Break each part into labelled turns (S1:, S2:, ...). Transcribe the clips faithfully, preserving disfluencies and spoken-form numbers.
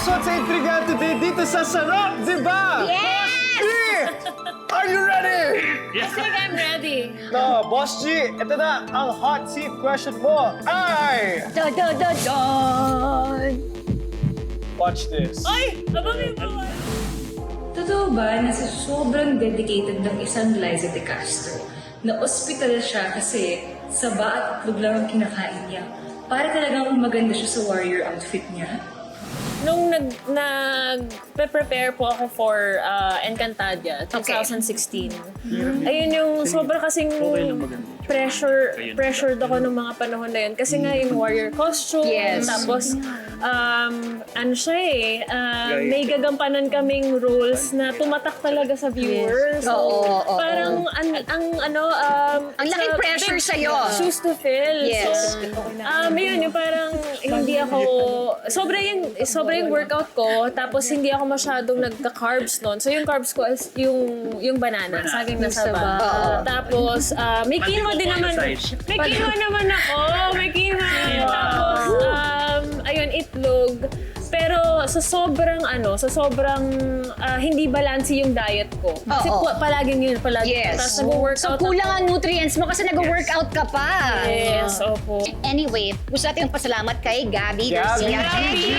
S1: Malusot sa intriga today dito sa Sarap, di ba?
S2: Yes!
S1: G! Are you ready?
S3: I think I'm ready.
S1: No, Boss G, ito na ang hot seat question mo. Ay!
S2: Da da da don!
S1: Watch this.
S3: Ay! Abangin mo!
S4: Totoo ba na sa sobrang dedicated ng isang Liza De Castro na ospital siya kasi saba at itlog lang ang kinakain niya para talagang maganda siya sa warrior outfit niya?
S3: Nung nag, nag-prepare po ako for uh, Encantadia twenty sixteen, ayun yung sobra kasing pressure, pressured ako nung mga panahon na yun. Kasi nga yung warrior costume,
S2: Yes.
S3: tapos um, ano siya eh, uh, may gagampanan kaming roles na tumatak talaga sa viewers. So,
S2: Oo, oo,
S3: parang ang, ang ano, um,
S2: Ang
S3: it's
S2: laking
S3: a
S2: pressure
S3: big
S2: sa'yo.
S3: shoes to fill.
S2: Yes.
S3: So, um, yun, yung parang hindi ako, sobra yung, sobra yung workout ko, tapos hindi ako masyadong nagka-carbs noon. So yung carbs ko is yung, yung banana, saging na saba. Tapos, uh, may quinoa din naman. May quinoa naman ako. May quinoa. Tapos, um, ayun, itlog. Pero sa sobrang ano, sa sobrang ah, hindi balanse yung diet ko. Kasi
S2: Oo.
S3: po, palaging yun, palagi.
S2: Yes.
S3: Tapos nag-workout
S2: So kulang ang nutrients mo kasi nag-workout ka pa.
S3: Yes, opo.
S2: Anyway, gusto natin pasalamat kay Gabby Garcia.
S1: Gabby!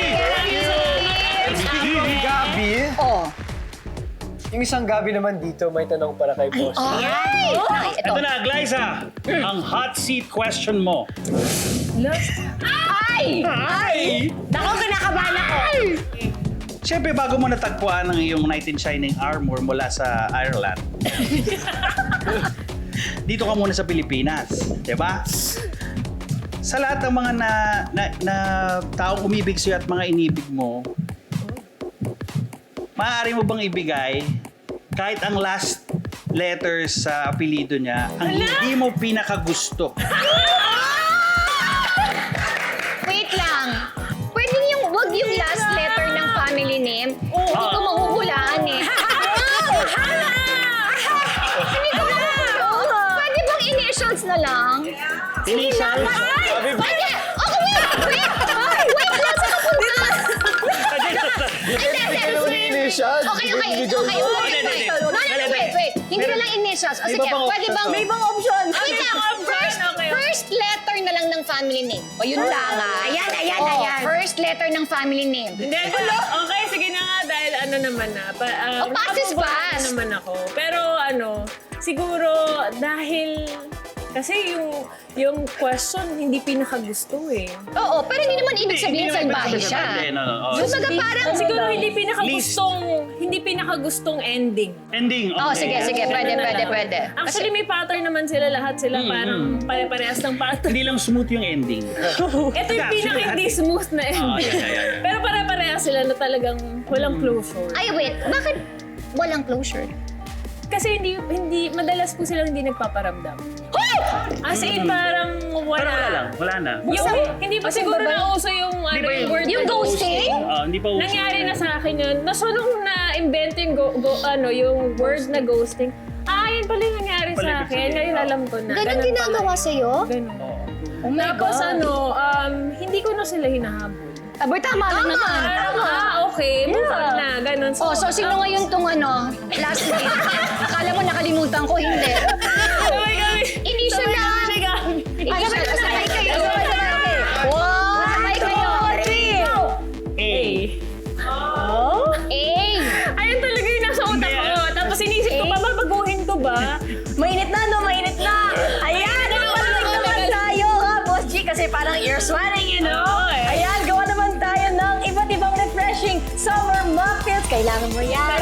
S1: Speaking Gabi,
S2: Oh.
S1: yung isang Gabi naman dito, may tanong para kay Boss.
S2: Ay! Ay, ito.
S5: Ito na, Glyza, ang hot seat question mo.
S2: Ay!
S5: Ay!
S2: Naku, kinakabahan ako.
S5: Siyempre, bago mo natagpuan ang iyong knight in shining armor mula sa Ireland, dito ka muna sa Pilipinas, di ba? Sa lahat ng mga na, na, na taong umibig sa'yo at mga inibig mo, maaari mo bang ibigay kahit ang last letters sa apelido niya, ang hindi mo pinakagusto?
S2: Wait lang. Pwede yung, wag yung last letter ng family name. Hindi ko mahuhulaan eh. Hindi ko mahuhulaan. Pwede bang initials na lang?
S5: Initials?
S2: Ay! Pwede! Okay, wait! Wait! Wait lang sa kapunta! Hindi, hindi.
S1: Initials.
S2: Okay, okay, okay. Wait, wait. No, no, no, wait, wait. Hindi na lang initials. O
S1: May
S2: sige,
S1: iba pang
S2: pwede
S1: options,
S2: bang...
S1: oh.
S2: May ibang option. Wait lang.
S3: option,
S2: First,
S3: okay.
S2: first letter na lang ng family name. O yun lang ah.
S6: Ayan, ayan,
S2: Oh,
S6: ayan.
S2: First letter ng family name.
S3: Hindi, okay, sige na nga dahil ano naman na. Pa, um,
S2: Oh, pass is
S3: nakapagbuhat
S2: pass.
S3: na naman ako. Pero ano, siguro dahil kasi yung yung question hindi pinakagusto eh.
S2: Oo, pero hindi naman ibig sabihin
S5: Hindi naman
S2: salbahe
S5: ibig
S2: siya.
S5: sabihin, no, no, oh.
S2: Kumbaga parang...
S3: Siguro hindi pinakagustong hindi pinakagustong ending.
S5: Ending, okay.
S2: Oh, sige, sige. Pwede,
S3: Ganun na
S2: pwede,
S3: lang.
S2: pwede.
S3: Actually, may pattern naman sila lahat. Sila parang pare-parehas ng pattern.
S5: Hindi lang smooth yung ending.
S3: Ito yung
S5: Actually,
S3: pinaka hindi
S5: lahat-
S3: smooth na ending.
S5: Oh, yeah, yeah, yeah.
S3: Pero pare-parehas sila na talagang walang closure.
S2: Ay, wait. Bakit walang closure?
S3: Kasi hindi, hindi, madalas po silang hindi nagpaparamdam. As in, parang wala.
S5: Parang wala lang, wala na.
S3: Yung, hindi pa siguro nauso yung, ano,
S5: ba
S3: yung
S5: yung-
S3: word
S2: Yung
S3: na
S2: ghosting?
S5: Ah, hindi pa uso.
S3: Nangyari na sa akin yun. Na so, nung na-invento yung, go, go, ano, yung word na ghosting, ah, yun pala yung nangyari
S5: Pala
S3: sa
S5: ibig
S3: akin.
S5: sabihin.
S3: Ngayon alam ko na.
S2: Ganun
S3: pala
S2: ginagawa
S3: yun.
S2: sa'yo?
S3: Ganun.
S2: Oh my
S3: Tapos
S2: God.
S3: ano, um, hindi ko na sila hinahabol.
S2: Aba, tama lang naman.
S3: Parang, ah, okay, move on na. Ganun.
S2: Oh, so sino ngayon tong ano, last name? Akala mo nakalimutan ko, hindi.
S3: Sabay kami.
S2: Initial lang.
S3: Sabay kami.
S2: Initial, sabay kayo. Wow! Sabay kayo.
S5: A.
S2: Eh!
S3: Ayun talaga yung nasa utak ko. Tapos inisip ko pa, babaguhin ko ba?
S6: Mainit na, no? Mainit na! Ayan! Nagpapalag naman tayo, ha, Boss G? Kasi parang ear sweating, you know?
S3: Oo, eh.
S6: Ayan, gawa naman tayo ng iba't ibang refreshing summer muffins. Kailangan mo yan.